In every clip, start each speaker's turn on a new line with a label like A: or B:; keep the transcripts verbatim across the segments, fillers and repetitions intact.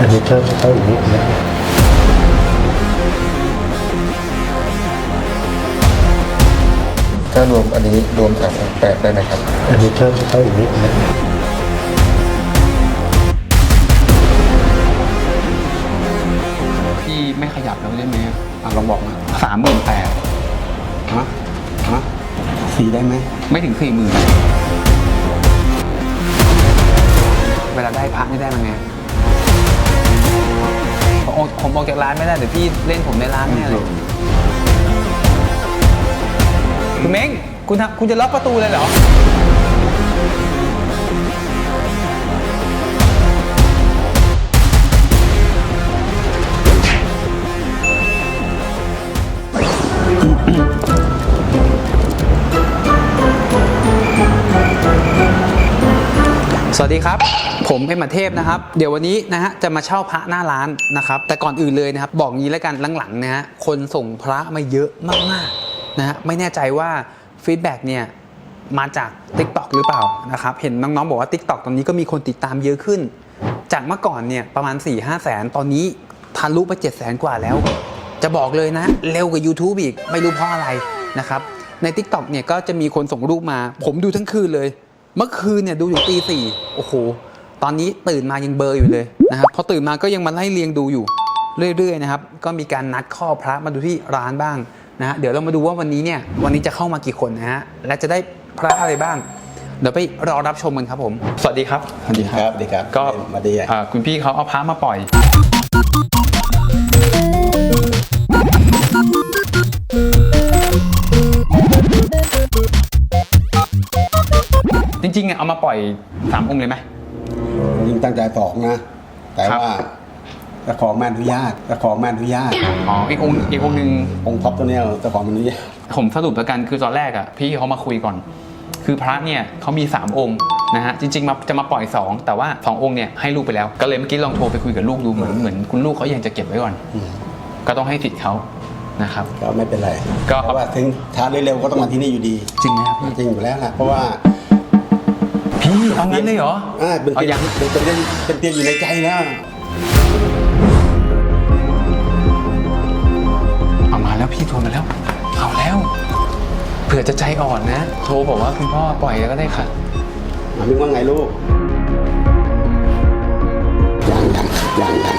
A: อันนี้เพิ่มเข้าอีกนิดนะ
B: ถ้ารวมอันนี้รวมสามองค์แปดได้ไหมครับ
A: อันนี้เพิ่มเข้าอีกนิดนะ
C: พี่ไม่ขยับแล้วได้ไหมอ่ะลองบอกมาสามหมื่นแปดฮะฮะสี่ได้ไหมไม่ถึงสี่หมื่นเวลาได้พระไม่ได้มันไงผมผมออกจากร้านไม่ได้เดี๋ยวพี่เล่นผมในร้านแน่เลยคุณเม้งคุณคุณจะล็อกประตูเลยเหรอสวัสดีครับผมเอ็มเทพนะครับเดี๋ยววันนี้นะฮะจะมาเช่าพระหน้าร้านนะครับแต่ก่อนอื่นเลยนะครับบอกงี้แล้วกันหลังๆนะฮะคนส่งพระมาเยอะมากๆนะฮะไม่แน่ใจว่าฟีดแบ็กเนี่ยมาจาก ติ๊กต็อก หรือเปล่านะครับเห็นน้องๆบอกว่า ติ๊กต็อก ตอนนี้ก็มีคนติดตามเยอะขึ้นจากเมื่อก่อนเนี่ยประมาณ สี่ห้า แสนตอนนี้ทะลุไปเจ็ดแสนกว่าแล้วจะบอกเลยนะเร็วกว่า ยูทูบ อีกไม่รู้เพราะอะไรนะครับใน ติ๊กต็อก เนี่ยก็จะมีคนส่งรูปมาผมดูทั้งคืนเลยเมื่อคืนเนี่ยดูอยู่ตีสี่โอ้โหตอนนี้ตื่นมายังเบลออยู่เลยนะครับพอตื่นมาก็ยังมาไล่เรียงดูอยู่เรื่อยๆนะครับก็มีการนัดข้อพระมาดูที่ร้านบ้างนะฮะเดี๋ยวเรามาดูว่าวันนี้เนี่ยวันนี้จะเข้ามากี่คนนะฮะและจะได้พระอะไรบ้างเดี๋ยวไปรอรับชมกันครับผมสวัสดีครับ
D: สวัสดีครับสวัสดีครับ
C: ก็
D: มาดีอ่ะ
C: คุณพี่เขาเอาพระมาปล่อยจริงๆเอามาปล่อยสามองค์เลยไหม
D: จริงตั้งใจสองนะแต่ว่าเจ้าของไม่อนุญาตเจ้าของไม่อนุญาต
C: อ๋ออีกองค์อีกองค์หนึ่ง
D: องค์ท็อปตัวนี้เจ้าของมันอนุญาต
C: ผมสรุปแล้วกันคือตอนแรกอ่ะพี่เขามาคุยก่อนคือพระเนี่ยเขามีสามองค์นะฮะจริงๆมาจะมาปล่อยสองแต่ว่าสององค์เนี่ยให้ลูกไปแล้วก็เลยเมื่อกี้ลองโทรไปคุยกับลูกดูเหมือนเหมือนคุณลูกเขายังจะเก็บไว้ก่อนก็ต้องให้สิทธิ์เขานะครับ
D: ก็ไม่เป็นไรก็เพราะว่าถึงช้าหรือเร็วก็ต้องมาที่นี่อยู่ดี
C: จริงไหมครับ
D: จริงอยู่แล้วนะเพราะว่า
C: พี่เอางั้นเลยเหรอ
D: อ่าเป็นเตียงเป็นเตียงเป็นเตียงอยู่ในใจแล้ว
C: เอามาแล้วพี่โทรมาแล้วเอาแล้วเผื่อจะใจอ่อนนะโทรบอกว่าคุณพ่อปล่อยแล้วก็ได้ค่ะ
D: มามึงว่าไงลูกยังยังยังยัง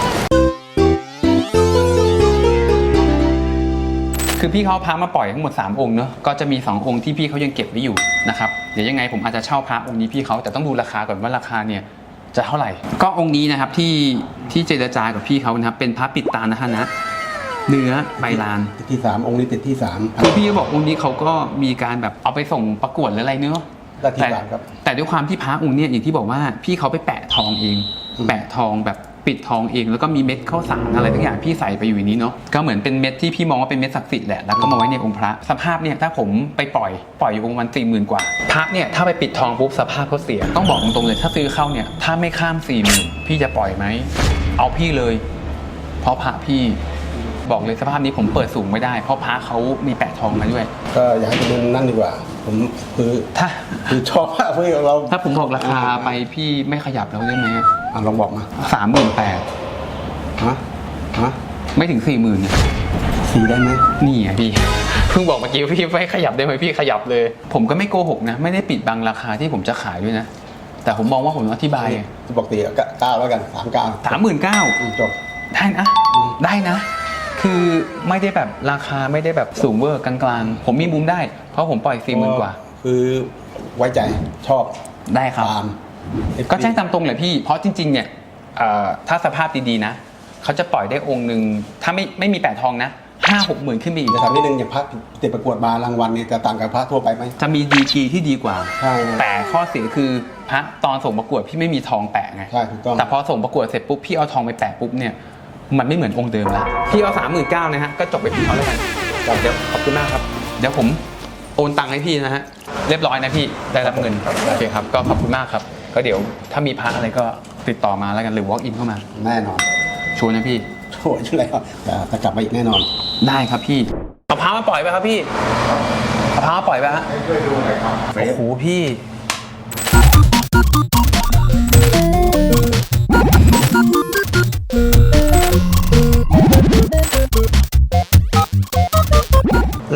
C: คือพี่เขาพามาปล่อยทั้งหมดสามองค์เนอะก็จะมีสององค์ที่พี่เขายังเก็บไว้อยู่นะครับเดี๋ยวยังไงผมอาจจะเช่าพระองค์นี้พี่เขาแต่ต้องดูราคาก่อนว่าราคาเนี่ยจะเท่าไหร่ก็องค์นี้นะครับที่ที่เจรจากับพี่เขานะครับเป็นพระปิดตานะฮะนะเนื้อใบลาน
D: ติดที่สามองค์นี้ติดที่สาม
C: คือพี่เขาบอกองค์นี้เขาก็มีการแบบเอาไปส่งประกวดหรืออะไรเนอะ
D: แต่
C: แต่ด้วยความที่พระองค์เนี่ยอย่างที่บอกว่าพี่เขาไปแปะทองเองแปะทองแบบปิดทองเองแล้วก็มีเม็ดข้าวสารอะไรทุกอย่างพี่ใส่ไปอยู่ในนี้เนาะก็เหมือนเป็นเม็ดที่พี่มองว่าเป็นเม็ดศักดิ์สิทธิ์แหละแล้วก็มาไว้ในองค์พระสภาพเนี่ยถ้าผมไปปล่อยปล่อยอยู่องค์วันสี่หมื่นกว่าพระเนี่ยถ้าไปปิดทองปุ๊บสภาพเขาเสียต้องบอกตรงๆเลยถ้าซื้อเข้าเนี่ยถ้าไม่ข้ามสี่หมื่นพี่จะปล่อยไหมเอาพี่เลยเพราะพระพี่บอกเลยสภาพนี้ผมเปิดสูงไม่ได้เพราะพระเขามีแปะทองมาด้วย
D: ก็อยากให้ดูนั่นดีกว่าผมคือ
C: ถ้า
D: คือชอบเพื่อเรา
C: ถ้าผมบอกราคาไปพี่ไม่ขยับแล้วได้ไหม
D: อ่ะลองบอกมา
C: สามหมื่นแปด
D: ฮะฮะ
C: ไม่ถึงสี่หมื่น
D: สี่ได้ไหม
C: นี่ไงพี่เพิ่งบอกเมื่อกี้พี่ไม่ขยับได้ไหมพี่ขยับเลยผมก็ไม่โกหกนะไม่ได้ปิดบังราคาที่ผมจะขายด้วยนะแต่ผมมองว่าผมอธิบาย
D: บอกตีเก้าแล้วกันสามเก้า
C: สามหมื่นเก้า
D: จบ
C: ได้นะได้นะคือไม่ได้แบบราคาไม่ได้แบบสูงเวอร์กลางๆผมมีมุมได้เพราะผมปล่อยสี่หมื่นกว่า
D: คือไว้ใจชอบ
C: ได้ครับก็แจ้งตามตรงเลยพี่เพราะจริงๆเนี่ยถ้าสภาพดีๆนะเขาจะปล่อยได้องค์หนึ่งถ้าไม่ไม่มีแปะทองนะห้าหกหมื่นขึ้นไปอีก
D: จะทำนิดนึงอย่างพระติดประกวดมารางวัลเนี่ยจะต่างกับพระทั่วไปไหม
C: จะมีดีกรีที่ดีกว่า
D: ใช่
C: แต่ข้อเสียคือพระตอนส่งประกวดพี่ไม่มีทองแปะไง
D: ใช่ถูกต้อง
C: แต่พอส่งประกวดเสร็จปุ๊บพี่เอาทองไปแปะปุ๊บเนี่ยมันไม่เหมือนองค์เดิมแล้วพี่เอาสามหมื่นเก้านะฮะก็จบไปพี่เขาแล้วกันเดี๋ยวขอบคุณมากครับเดี๋ยวผมโอนตังค์ให้พี่นะฮะเรียบร้อยนะพี่ได้รับเงินโอเคครับก็ขอบคุณมากครับก็เดี๋ยวถ้ามีพระอะไรก็ติดต่อมาแล้วกันหรือ walk in เข้ามา
D: แน่นอน
C: ชัวร์นะพี่
D: ชัวร์อยู่แล้วแต่จะกลับมาอีกแน่นอน
C: ได้ครับพี่เอาพระมาปล่อยไปครับพี่เอาพระมาปล่อยไปฮะช่วยดูหน่อยครับโอ้โหพี่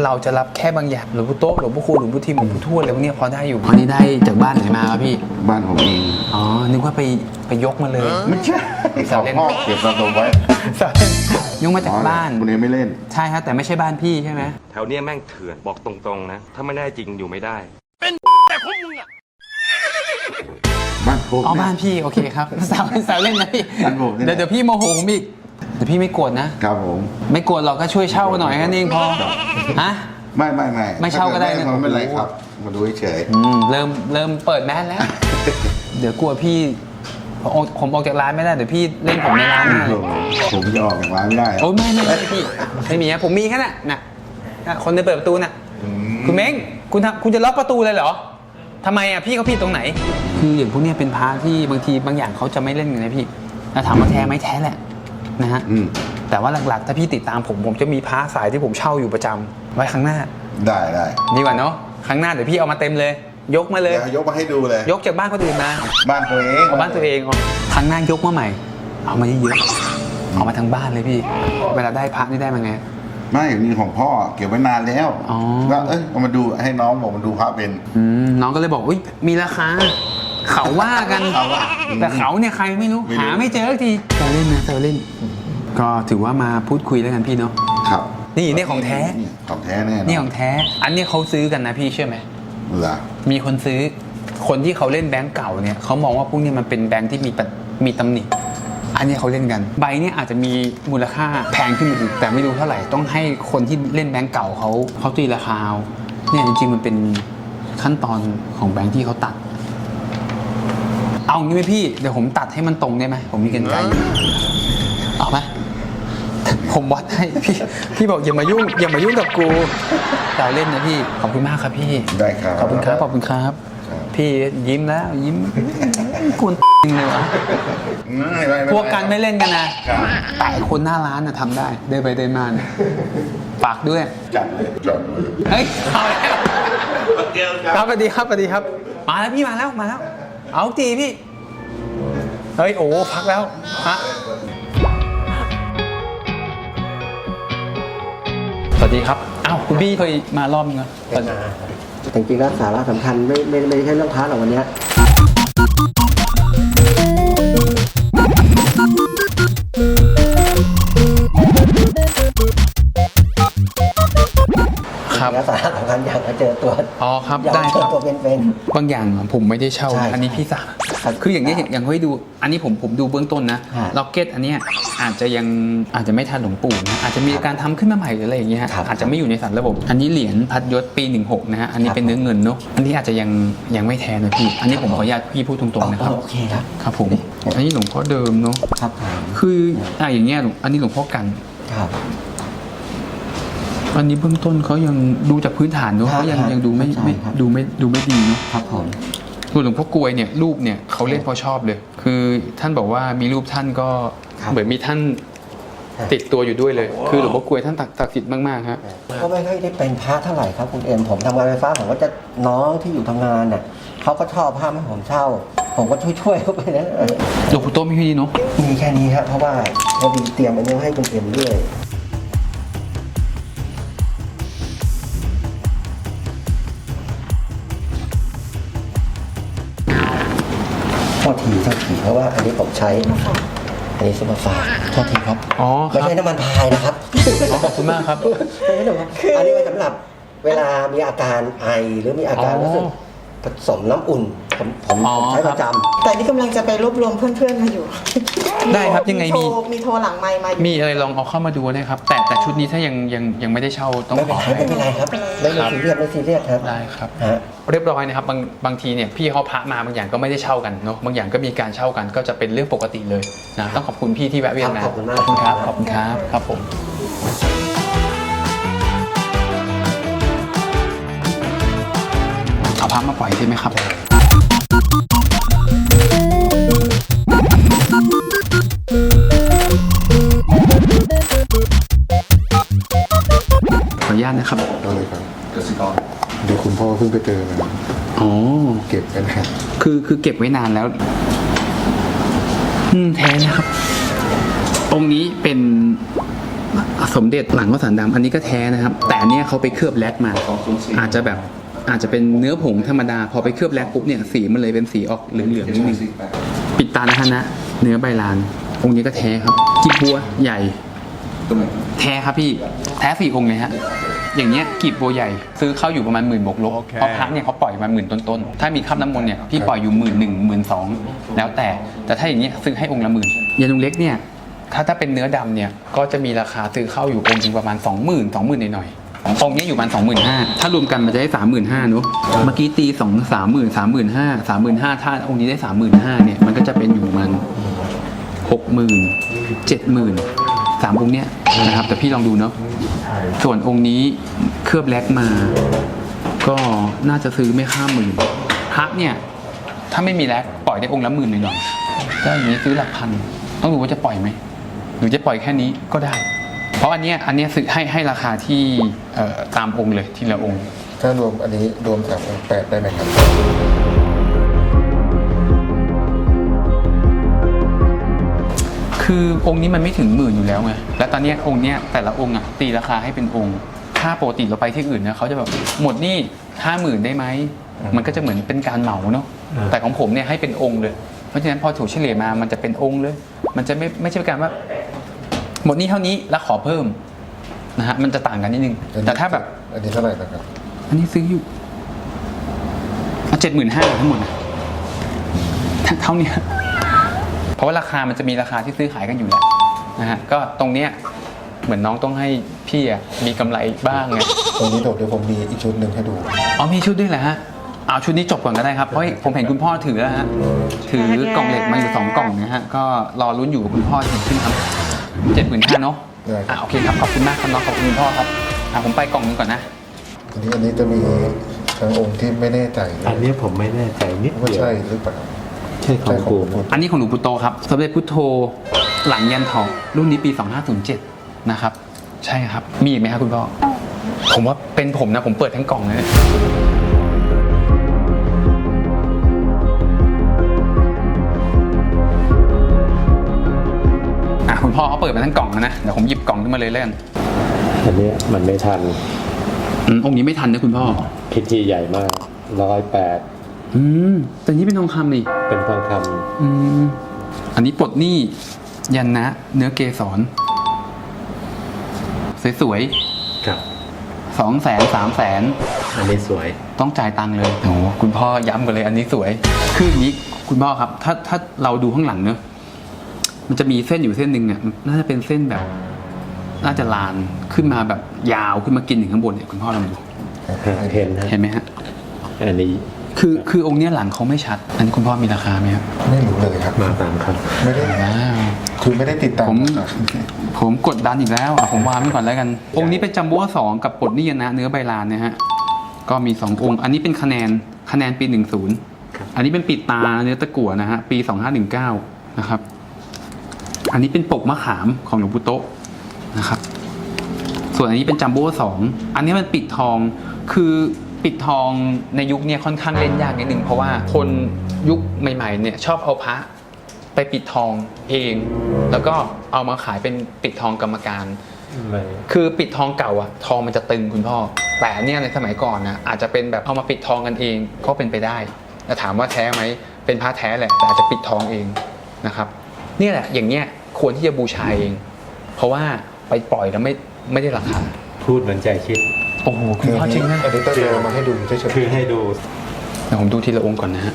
C: เราจะรับแค่บางอย่างหลวงปู่โต๊ะหลวงปู่คูณหลวงปู่ทิมหลวงปู่ทวดอะไรพวกเนี้ยพอได้อยู่อันนี้ได้จากบ้านไหนมาครับพี่
B: บ้านผมเอง
C: อ๋อนึกว่าไปไปยกมาเลย
B: ไม่ใช่
C: สา
B: เขา
C: วเล่น
B: พ่อเก็บสะสมไว้
C: ยกมาจากบ้าน
B: คุณเองไม่เล่น
C: ใช่ครับแต่ไม่ใช่บ้านพี่ใช่ไหม
E: แถวเนี้ยแม่งเถื่อนบอกตรงๆนะ ถ้าไม่ได้จริงอยู่ไม่ได้
B: บ้านผม
C: อ๋อบ้านพี่โอเคครับสาวสาวเล่นนะพี่
B: บ้านผมนี่แห
C: เดี๋ย
B: ละ
C: วเดี๋ยวพี่โมโหผมอีกเดี๋ยวพี่ไม่โกรธนะ
B: ครับผม
C: ไม่โกรธหรอกก็ช่วยเช่าหน่อยแค่นั้นเองพอฮะ
B: ไม่ไม่ไม่
C: ไม่เช่าก็ได้นะ
B: ถ้เไม่เป็นไรครับ มาดูเฉย
C: อืมเริ่มเริ่มเปิดแมสแล้ว เดี๋ยวกลัวพี่ผมออกผมออกจากร้านไม่ได้เดี๋ยวพี่เล่นผมในร้านแน่เลย
B: ผมจะออกจากร้านไม่ได้
C: โอ้ยไม่ไม่ไม่พี่ไม่มีนะผมมีแค่น่ะน่ะน่ะคนเดินเปิดประตูน่ะ
B: อืม
C: คุณเม้งคุณทำคุณจะล็อกประตูเลยเหรอทำไมอ่ะพี่เขาผิดตรงไหน คืออย่างพวกเนี้ยเป็นพระที่บางทีบางอย่างเขาจะไม่เล่นกันนะพี่แล้วถามว่าแท้ไหมแท้แหละนะฮะ
B: อืม
C: แต่ว่าหลักๆถ้าพี่ติดตามผมผมจะมีพระสายที่ผมเช่าอยู่ประจำไว้ข้างหน้า
B: ได้ได้
C: ดีกว่าเนาะครั้งหน้าเดี๋ยวพี่เอามาเต็มเลย ยกมาเลย
B: เดี๋ยวยกมาให้ดูเลย
C: ยกจากบ้านคนอื่นมา
B: บ้านตัวเอง
C: เอาบ้านตัวเองเอาครั้งหน้ายกมาใหม่ เอามาเยอะๆเอามาทั้งบ้านเลยพี่ เวลาได้พระนี่ได้มาไง
B: ไม่นี่ของพ่อเก็บไว้นานแล้ว
C: อ๋อ
B: ก็เอ้ยเอามาดูให้น้องบอกมาดูพระเป็น
C: อืมน้องก็เลยบอกอุ้ยมีราคา เขาว่ากัน
B: เขาว่า
C: แต่เขาเนี่ยใครไม่รู้
B: ไม่รู้
C: หาไม่เจอสักทีเซลเล่นนะเซลเล่น ก็ถือว่ามาพูดคุยแล้วกันพี่เนาะ
B: ครับ
C: นี่นี่ของแท้
B: นี่ของแท้แน่นอน
C: นี่ของแท้ อันนี้เขาซื้อกันนะพี่เชื่อไหม
B: เหรอ
C: มีคนซื้อ คนที่เขาเล่นแบงก์เก่าเนี่ยเขามองว่าพวกนี้มันเป็นแบงก์ที่มีปะมีตำหนิ อันนี้เขาเล่นกัน ใบเนี่ยอาจจะมีมูลค่าแพงขึ้นอีกแต่ไม่รู้เท่าไหร่ ต้องให้คนที่เล่นแบงก์เก่าเขาเขาตีราคาเอาเนี่ยจริงๆมันเป็นขั้นตอนของแบงก์ที่เขาตัด เอางี้ไหมพี่ เดี๋ยวผมตัดให้มันตรงได้ไหม ผมมีกรรไกรอยู่เอาไหมผมวัดให้พี่ พี่บอกอย่ามายุ่ง อย่ามายุ่งกับกูเราเล่นนะพี่ ขอบคุณมากครับพี่
B: ได้ครับ
C: ขอบคุณครับ ขอบคุณครับ
B: ครับ
C: พี่ยิ้มแล้วยิ้มกวนจริงเลยวะ
B: อืมไม่ไม่ไม่
C: พวกกันไม่เล่นกันนะครับ แต่คนหน้าร้านน่ะทำได้ เดินไปเดินมาเนี่ยฝากด้วย
B: จัดเลยจัดเลย
C: เฮ้ยเอาแล้วครับสวัสดีครับสวัสดีครับ มาแล้วพี่มาแล้วมาแล้ว เอาตีพี่ เฮ้ยโอ้พักแล้วฮะสวัสดีครับอ้าวคุณพี่เคยมารอบนึงเหรอ
A: เป็นมาจริงๆแล้วสาระสำคัญไม่ไม่ไม่ใช่เรื่องพระหรอกวันเนี้ย
C: ครับ
A: แล้วสาระสำคัญอยากจะเจอตัว
C: อ๋อครับ
A: อยาก
C: ได้
A: จะเจ
C: ค
A: อ
C: รับ
A: ตัวเป็น
C: บางอย่างผมไม่ได้เช่า
A: ใช่
C: อันนี้พี่สั่ง
A: ครับ
C: คืออย่างนี้ยอย่างอย่างให้ดู อันนี้ผมผมดูเบื้องต้นนะ
A: ฮะ
C: ล็อกเก็ตอันเนี้ยอาจจะยังอาจจะไม่ทันหลวงปู่นะอาจจะมีการทำขึ้นมาใหม่หรืออะไรอย่างเงี้ยฮะ
A: ครับ
C: อาจจะไม่อยู่ในสารระบบ อันนี้เหรียญพัดยศปีหนึ่งหกนะฮะอันนี้
A: ครับ
C: เป็นเนื้อเงินเนาะอันนี้อาจจะยังยังไม่แท้นะพี่อันนี้ผมขออนุญาตพี่พูดตรงๆนะครับ
A: โอเคครับ
C: ครับผมอันนี้หลวงพ่อเดิมเนาะ
A: ครับผม
C: คืออ่ะอย่างเงี้ยหลวงอันนี้หลวงพ่อกัน
A: ครับ
C: อันนี้เบื้องต้นเขายังดูจากพื้นฐานเนาะ
A: ครับ
C: เขายัง
A: ครับ
C: ยังดูไม่
A: เข้าใจ
C: ไม่
A: ครับ
C: ดูไม่ดูไม่ดีเนาะ
A: ครับผม
C: ส่วนหลวงพ่อกลวยเนี่ยรูปเนี่ยเขาเล่นเพราะชอบเลย คือท่านบอกว่ามีรูปท่านก็
A: ครับ
C: เหมือนมีท่าน
A: ครับ
C: ติดตัวอยู่ด้วยเลย คือหลวงพ่อกลวยท่านศักดิ์สิทธิ์มากๆฮะ
A: ก็ไม่ค่อยได้เป็นพระเท่าไหร่ครับคุณเอ็มผมทำงานไฟฟ้าผมก็จะน้องที่อยู่ทำงานน่ะเขาก็ชอบพระให้ผมเช่า ผมก็ช่วยๆเขาไปนะ
C: หลวงปู่โตมีแค่นี้เนาะ
A: มีแค่นี้ครับเพราะว่าพอดีเตรียมอันนี้ให้คุณเอ็มด้วยโทษทีโทษทีเพราะว่าอันนี้ผมใช้ อันนี้ซุปเปอร์ฟาสต์โทษทีครับ
C: อ๋อค
A: ไม่
C: รับ
A: ใช่น้ำมันพายนะครับ
C: อ๋อขอบคุณมากครับ
A: ไม่ใช่น้ำมันอันนี้ไว้สำหรับเวลามีอาการไอหรือมีอาการ
C: อ๋อ
A: รู้สึกผสมน้ำอุ่น ผมผม
C: อ๋อ
A: ผมใช้
C: ค
A: ป
C: รับ
A: ระจำ
F: แต่นี่กำลังจะไปรวบรวมเพื่อนๆมาอยู่
C: ได้ครับยังไงมี
F: โทรมีโทรหลังไมค์มาอยู่
C: มีอะไรลองเอาเข้ามาดูได้ครับ แต่แต่ชุดนี้ถ้ายังยังยังไม่ได้เช่าต้อง
A: ไม่
C: ข
A: เป็น
C: อ
A: ไรไม่เป็นไรครับ ไม่ไม่ซีเรียสไม่ซีเรียสครับ
C: ได้ครับ
A: ฮะ
C: เรียบร้อยนะครับบางบางทีเนี่ยพี่เขาพระมาบางอย่างก็ไม่ได้เช่ากันเนาะบางอย่างก็มีการเช่ากันก็จะเป็นเรื่องปกติเลยนะต้องขอบคุณพี่ที่แวะเวียนมา
A: ครับขอบคุณมาก
C: ขอบคุณครับขอบคุณครับครับผมเอาพระมาปล่อยใช่ไหมครับขออนุญาตนะครับ
B: ก็เลยครับกสิกรเดี๋ยวคุณพ่อเพิ่งไปเจอมา
C: อ๋อ
B: เก็บกันครับ
C: คือคือเก็บไว้นานแล้ว อืมแท้นะครับ องค์นี้เป็นสสมเด็จหลังข้าวสารดำอันนี้ก็แท้นะครับ แต่อันเนี้ยเขาไปเคลือบแลกมา อาจจะแบบอาจจะเป็นเนื้อผงธรรมดาพอไปเคลือบแลกปุ๊บเนี่ยสีมันเลยเป็นสีออกเหลืองๆนิดนึงปิดตานะฮะนะเนื้อใบลานองค์นี้ก็แท้ครับกีบบัวใหญ่แท้ครับพี่แท้สี่องค์เลยฮะอย่างเงี้ยกีบบัวใหญ่ซื้อเข้าอยู่ประมาณหมื่นบวกลบเพราะพระเนี่ยเขาปล่อยมาหมื่นต้นๆถ้ามีคราบน้ำมนต์เนี่ยพี่ปล่อยอยู่หมื่นหนึ่งหมื่นสองแล้วแต่แต่ถ้าอย่างเงี้ยซื้อให้องค์ละหมื่นยานุงเล็กเนี่ยถ้าถ้าเป็นเนื้อดำเนี่ยก็จะมีราคาซื้อเข้าอยู่องค์ถึงประมาณสองหมื่นสองหมื่นหน่อยๆองค์นี้อยู่ประมาณสองหมื่นห้าถ้ารวมกันมันจะได้สามหมื่นห้าเนอะเมื่อกี้ตีสองสามหมื่นสามหมื่นห้าสามหมื่นห้าถ้าองค์นี้ได้สามหมื่นห้าเนี่ยมันก็จะเป็นอยู่มันหกหมื่นเจ็ดหมื่นสามองค์เนี้ยนะครับแต่พี่ลองดูเนาะส่วนองค์นี้เคลือบแลกมาก็น่าจะซื้อไม่ข้ามหมื่นพระเนี่ยถ้าไม่มีแลกปล่อยได้องค์ละหมื่นหน่อยๆก็อย่างนี้ซื้อหลักพันต้องดูว่าจะปล่อยไหมหรือจะปล่อยแค่นี้ก็ได้เพราะอันเนี้ยอันเนี้ยซื้อให้ให้ราคาที่เอ่อตามองค์เลยทีละองค์
B: ถ้ารวมอันนี้รวมสามองค์แปดได้ไหมครับ
C: คือองค์นี้มันไม่ถึงหมื่นอยู่แล้วไงและตอนเนี้ยองค์เนี้ยแต่ละองค์อ่ะตีราคาให้เป็นองค์ถ้าปกติเราไปที่อื่นเนี่ยเขาจะแบบหมดนี่ห้าหมื่นได้ไหมมันก็จะเหมือนเป็นการเหมาเนาะแต่ของผมเนี่ยให้เป็นองค์เลยเพราะฉะนั้นพอถูกเฉลี่ยมามันจะเป็นองค์เลยมันจะไม่ไม่ใช่การว่าหมดนี่เท่านี้แล้วขอเพิ่มนะฮะมันจะต่างกันนิดนึงแต่ถ้าแบบ
B: อันนี้เท่าไหร่นะครับ
C: อันนี้ซื้ออยู่เจ็ดหมื่นห้าทั้งหมดนะเท่านี้เพราะว่าราคามันจะมีราคาที่ซื้อขายกันอยู่แล้วนะฮะก็ตรงเนี้ยเหมือนน้องต้องให้พี่อะมีกำไรบ้างไง
B: ตรงนี้เดี๋ยวผมมีอีกชุดหนึ่งให้ดู
C: อ๋อมีชุดด้วยเหรอฮะเอาชุดนี้จบก่อนก็ได้ครับเพราะผมเห็นคุณพ่อถือแล้วฮะถือกล่องเหล็กมาอยู่สองกล่องนะฮะก็รอลุ้นอยู่กับคุณพ่อถึงขึ้นครับเจ็ดหมื่นห้าเนาะ
B: ได้ครับ
C: อ่ะโอเคครับขอบคุณมากครับน้องขอบคุณคุณพ่อครับอ่ะผมไปกล่องนึงก่อนนะ
B: ทีนี้อันนี้จะมีทางองค์ที่ไม่แน่ใจ
G: อันนี้ผมไม่แน่ใจนิด
B: ว่า
G: เดียว
B: ใช่หรือเปล่า
G: ใช่ของกูไหม
C: อันนี้ของหลวงปู่โตครับสมเด็จพุทโธหลังยันทองรุ่นนี้ปีสองห้าศูนย์เจ็ดนะครับใช่ครับมีอีกไหมครับคุณพ่อผมว่าเป็นผมนะผมเปิดทั้งกล่องเลยอ่ะคุณพ่อเขาเปิดมาทั้งกล่องแล้วนะเดี๋ยวผมหยิบกล่องขึ้นมาเลยเล่น
G: อันนี้มันไม่ทัน
C: อืมองค์นี้ไม่ทันนะคุณพ่อ
G: พิธีใหญ่มากร้อยแปด
C: อืมแต่นี้เป็นทองคำนี่
G: เป็นทองค
C: อืมอันนี้ปลดหนี้ยันนะเนื้อเกสรสวย
G: ำครับ
C: ๆสองแสนสามแสน
G: อันนี้สวย
C: ต้องจ่ายตังค์เลยโอ้โหคุณพ่อย้ำกันเลยอันนี้สวยคืออย่างนี้คุณพ่อครับ ถ้าถ้าเราดูข้างหลังเนอะมันจะมีเส้นอยู่เส้นหนึ่งเนี่ยน่าจะเป็นเส้นแบบ น่าจะลานขึ้นมาแบบยาวขึ้นมากินถึงข้างบนเนี่ยคุณพ่อลองดู
G: เห็นฮะ
C: เห็นไหมฮะ
G: อันนี้
C: คือคือองค์เนี้ยหลังเขาไม่ชัด อันนี้คุณพ่อมีราคาไหมครับ
B: ไม่รู้เลยครับ
G: มาตามครับ
B: ไม่ได้
C: ว้าว
B: คือไม่ได้ติดตาม
C: ผม
B: ครับ
C: ผมกดดันอีกแล้วอ่ะผมวางไว้ก่อนแล้วกัน องค์นี้เป็นจัมโบ้สองกับปลดหนี้ยันนะเนื้อใบลานนะฮะก็มีสององค์ อันนี้เป็นคะแนนคะแนนปีหนึ่งศูนย์อันนี้เป็นปิดตาเนื้อตะกั่วนะฮะปีสองห้าหนึ่งเก้านะครับ อันนี้เป็นปกมะขามของหลวงปู่โตะนะครับ ส่วนอันนี้เป็นจัมโบ้สองอันนี้มันปิดทองคือปิดทองในยุคนี้ค่อนข้างเล่นยากนิดนึงเพราะว่าคนยุคใหม่ๆเนี่ยชอบเอาพระไปปิดทองเอง แล้วก็เอามาขายเป็นปิดทองกรรมการ
G: ไม่
C: คือปิดทองเก่าอะทองมันจะตึงคุณพ่อแต่เนี่ยในสมัยก่อนนะอาจจะเป็นแบบเอามาปิดทองกันเองก็เป็นไปได้แต่ถามว่าแท้ไหมเป็นพระแท้แหละแต่อาจจะปิดทองเองนะครับเนี่ยแหละอย่างเงี้ยควรที่จะบูชาเอง เพราะว่าไปปล่อยแล้วไม่ไม่ได้ราคา
G: พูดเหมือนใจคิด
C: โอ้โหคุณพ่อจริงนะ
B: อันนี้ต้องเอามาให้ดูเฉย
G: คือให้ดู
C: เดี๋ยวผมดูทีละองค์ก่อนนะฮะ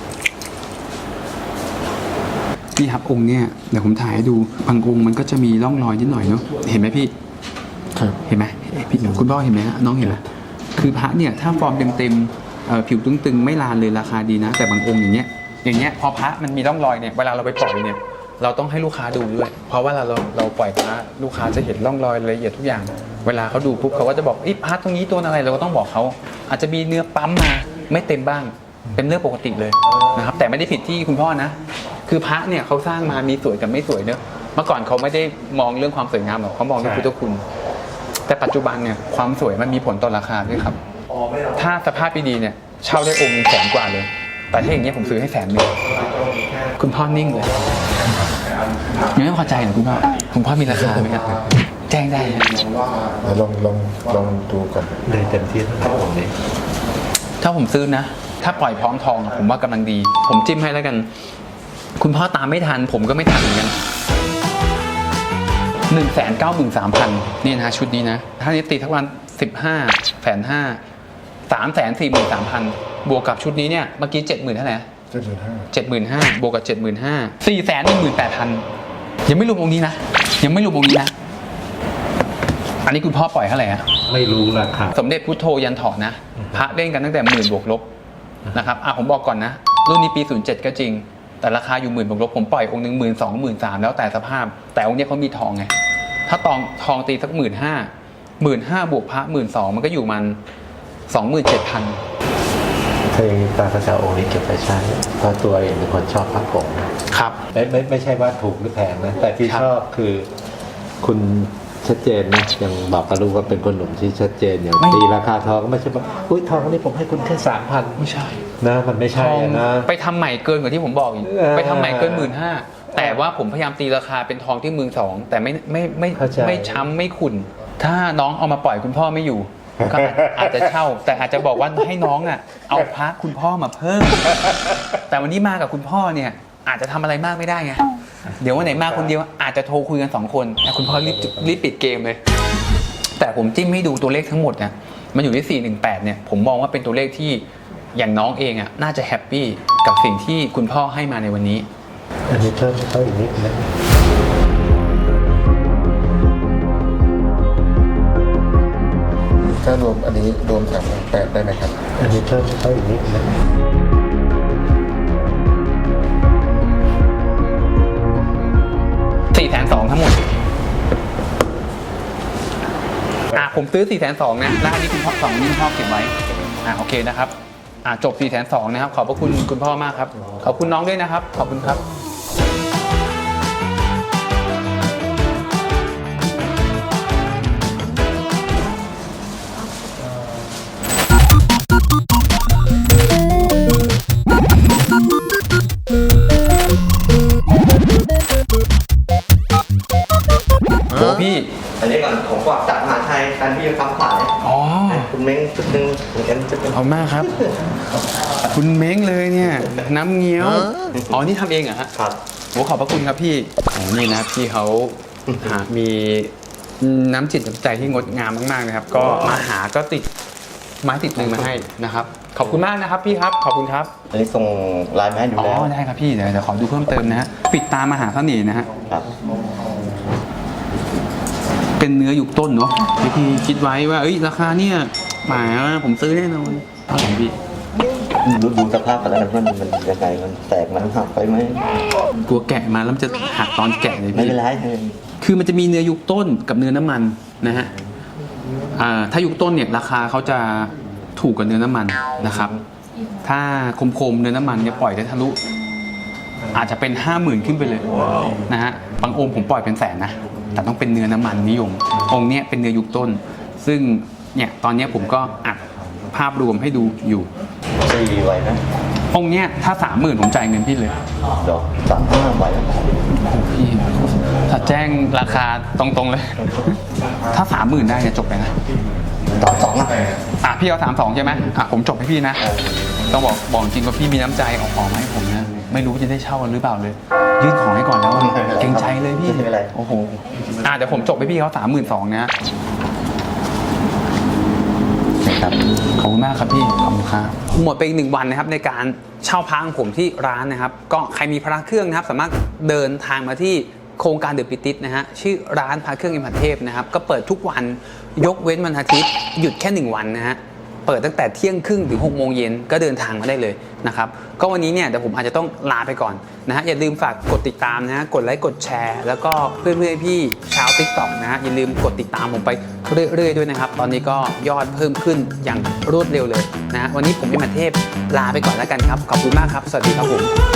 C: นี่ครับองค์เนี่ยเดี๋ยวผมถ่ายให้ดูบางองค์มันก็จะมีร่องรอยนิดหน่อยเนาะเห็นไหมพี่
B: ๆครับ
C: เห็นไหมพี่คุณพ่อเห็นไหมฮะน้องเห็นไหมคือพระเนี่ยถ้าฟอร์มเต็มๆเอ่อผิวตึงๆไม่ลานเลยราคาดีนะ แต่บางองค์อย่างเงี้ยอย่างเงี้ยพอพระมันมีร่องรอยเนี่ยเวลาเราไปปล่อยเนี่ยเราต้องให้ลูกค้าดูด้วยเพราะว่าเราเราเราปล่อยพระลูกค้าจะเห็นร่องรอยรายละเอียดทุกอย่าง เวลาเขาดูปุ๊บเขาก็จะบอกไอ้พระตรงนี้ตัวอะไรเราก็ต้องบอกเขาอาจจะมีเนื้อปั๊มมาไม่เต็มบ้างเป็นเรื่องปกติเลยนะครับแต่ไม่ได้ผิดที่คุณพ่อนะคือพระเนี่ยเขาสร้างมามีสวยกับไม่สวยเนอะเมื่อก่อนเขาไม่ได้มองเรื่องความสวยงามหรอกเขามองเรื่องพุทธคุณแต่ปัจจุบันเนี่ยความสวยมันมีผลต่อราคาด้วยครับถ้าสภาพดีๆเนี่ยเช่าได้องค์แสนกว่าเลยแต่ถ้าอย่างเงี้ยผมซื้อให้แสนหนึ่งคุณพ่อนิ่งเลยยังไม่พอใจเหรอคุณพ่อคุณพ่อมีราคาไหมครับแจ้งได้นะ
B: ลองลองลองดูก่อน
G: ได้เต็มที่เท่าไหร่ผมนี้
C: ถ้าผมซื้อนะ ถ้าปล่อยพร้อมทองผมว่ากำลังดี ผมจิ้มให้แล้วกัน คุณพ่อตามไม่ทันผมก็ไม่ทันเหมือนกันหนึ่งแสนเก้าหมื่นสามพันนี่นะชุดนี้นะถ้านี้ตีทั้งวันสิบห้าแสนห้าสามแสนสี่หมื่นสามพันบวกกับชุดนี้เนี่ยเมื่อกี้เจ็ดหมื่นเท่าไหร่
B: เจ็ดหมื่นห้า
C: เจ็ดหมื่นห้าบวกกับเจ็ดหมื่นห้าสี่แสนหนึ่งหมื่นแปดพันยังไม่รวมองค์นี้นะยังไม่รวมองค์นี้นะอันนี้คุณพ่อปล่อยเท่าไหร่ฮะ
G: ไม่รู้ราคา
C: สมเด็จพุทโธยันถอดนะพระเล่นกันตั้งแต่หมื่นบวกลบนะครับอ่ะผมบอกก่อนนะรุ่นนี้ปีศูนย์เจ็ดก็จริงแต่ราคาอยู่หมื่นบวกลบผมปล่อยองค์หนึ่งหมื่นสองหมื่นสามแล้วแต่สภาพแต่องค์นี้เขามีทองไงถ้าตองทองตีสักหมื่นห้าหมื่นห้าบวกพระหมื่นสองมันก็อยู่มันสองหมื่นเจ็ดพัน
G: ถ้าอย่างนี้ตาพระเจ้าองค์นี้เก็บไปใช้เพราะตัวเองเป็นคนชอบพระผง
C: ครับ
G: ไม่ไม่ไม่ใช่ว่าถูกหรือแพงนะ แต่ที่
C: ครับ
G: ชอบคือคุณชัดเจนนะยังบอกกับลูกว่าเป็นคนหนุ่มที่ชัดเจนอย่างตีราคาทองก็ไม่ใช่ว่าอุ้ยทองนี่ผมให้คุณแค่สามพัน
C: ไม่ใช่
G: นะมันไม่
C: ท
G: ใช่
C: อง
G: อะนะ
C: ไปทำใหม่เกินกว่าที่ผมบอกอีก
G: เออ
C: ไปทำใหม่เกินหมื่นห้าแต่ว่าผมพยายามตีราคาเป็นทองที่หมื่นสองแต่ไม่ไม่ไม่
G: เข้าใจ
C: ไม่ช้ำไม่ขุ่นถ้าน้องเอามาปล่อยคุณพ่อไม่อยู่ก็อาจจะเช่า แต่อาจจะบอกว่าให้น้องอ่ะเอาพระคุณพ่อมาเพิ่ม แต่วันนี้มากับคุณพ่อเนี่ยอาจจะทำอะไรมากไม่ได้ไงเดี๋ยววันไหนมาคนเดียวอาจจะโทรคุยกันสองคนแต่คุณพ่อรีบรีบปิดเกมเลย แต่ผมจิ้มให้ดูตัวเลขทั้งหมดเนี่ยมันอยู่ที่สี่หนึ่งแปดเนี่ยผมมองว่าเป็นตัวเลขที่อย่างน้องเองอ่ะน่าจะแฮปปี้กับสิ่งที่คุณพ่อให้มาในวันนี้
G: อันนี้เพิ่มเข้าอีกนิดนะ
B: ถ้ารวมอันนี้รวมสามแปดได้ไหมครับ
G: อันนี้เพิ่มเข้าอีกนิดนะ
C: สี่แสนสองทั้งหมดอ่ะผมซื้อสี่แสนสองนะแล้วอันนี้คุณพ่อสองนี่คุณพ่อเก็บไว้อ่ะโอเคนะครับอ่ะจบสี่แสนสองนะครับขอบพระคุณคุณพ่อมากครับขอบคุณน้องด้วยนะครับขอบคุณครับโอ้พี่
A: อันนี้ก่อนผมฝากจากมหาชัยการที่คำขาย
C: อ๋อ
A: คุณเม้งชุดหนึ่งคุณเอ็มชุดหนึ่ง
C: ขอบคุณมากครับ คุณเม้งเลยเนี่ย น้ำเงี้ยว อ๋อ นี่ทำเองเหรอฮะ
A: ครับ
C: โหขอบพระคุณครับพี่อ๋อนี่นะพี่เขาหามีน้ำจิตน้ำใจที่งดงามมากๆนะครับ ก็มาหาก็ติดไม้ติดมือมาให้นะครับ ขอบคุณมากนะครับพี่ครับ ขอบคุณครับ
A: อันนี้ส่งไลน์มาให้ดู
C: อ๋อ
A: แล้ว
C: ได้ครับพี่ เดี๋ยวเดี๋ยวขอดูเพิ่มเติมนะฮะ ปิดตามหาเสน่ห์นะฮะ
A: ครับ
C: เป็นเนื้อยุคต้นเนาะที่พี่คิดไว้ว่าเอ้ยราคาเนี่ยหมายว่าผมซื้อแน่นอนเท่าไหร่พี่
A: ดูดูสภาพกันแล้วนะมันมันยังไงมันแตกมันหักไปไหม
C: กลัวแกะมาแล้วมันจะหักตอนแกะเลย
A: ไม่
C: พี่
A: เป็นไรเลย
C: คือมันจะมีเนื้อยุคต้นกับเนื้อน้ำมันนะฮะอ่าถ้ายุคต้นเนี่ยราคาเขาจะถูกกว่าเนื้อน้ำมันนะครับ ถ้าคมๆเนื้อน้ำมันเนี่ยปล่อยได้ทะลุอาจจะเป็นห้าหมื่นขึ้นไปเลยนะฮะบางองค์ผมปล่อยเป็นแสนนะแต่ต้องเป็นเนื้อน้ำมันนิยมองค์เนี้ยเป็นเนื้อยุคต้น ซึ่งเนี่ยตอนเนี้ยผมก็อัดภาพรวมให้ดูอยู่
A: ตีไว้นะ
C: องค์เนี้ยถ้าสามหมื่นผมจ่ายเงินพี่เลย
A: ดอกสามห้าไว้นะ
C: โอ้พี่ถ้าแจ้งราคาตรงๆเลย ถ้าสามหมื่นได้เนี่ยจบไปนะ
A: ดอกสองอ่ะ
C: อ่ะพี่เอาสามสองใช่ไหมอ่ะผมจบให้พี่นะ ต้องบอกบอกจริงว่าพี่มีน้ำใจเอาของมาให้ผมนะ ไม่รู้จะได้เช่าหรือเปล่าเลย ยื่นของให้ก่อนแล้วอะเกรงใจเลยพี่
A: ไม่เป็นไร
C: โอ้โหอ่ะเดี๋ยวผมจบให้พี่เขาสามหมื่นสองนะนะครับขอบคุณมากครับพี่ขอบคุณครับหมดไปอีกหนึ่งวันนะครับในการเช่าพระของผมที่ร้านนะครับ ก็ใครมีพระเครื่องนะครับ สามารถเดินทางมาที่โครงการเดอะปิติสนะฮะชื่อร้านพระเครื่องอิมพันเทพนะครับก็เปิดทุกวันยกเว้นวันอาทิตย์หยุดแค่หนึ่งวันนะฮะเปิดตั้งแต่เที่ยงครึ่งถึงหกโมงเย็นก็เดินทางมาได้เลยนะครับก็วันนี้เนี่ยเดี๋ยวผมอาจจะต้องลาไปก่อนนะฮะอย่าลืมฝากกดติดตามนะฮะกดไลค์กดแชร์แล้วก็เพื่อนๆพี่ชาว ติ๊กต็อก นะฮะอย่าลืมกดติดตามผมไปเรื่อยๆด้วยนะครับตอนนี้ก็ยอดเพิ่มขึ้นอย่างรวดเร็วเลยนะฮะวันนี้ผมอิมพันเทพลาไปก่อนแล้วกันครับขอบคุณมากครับสวัสดีครับผม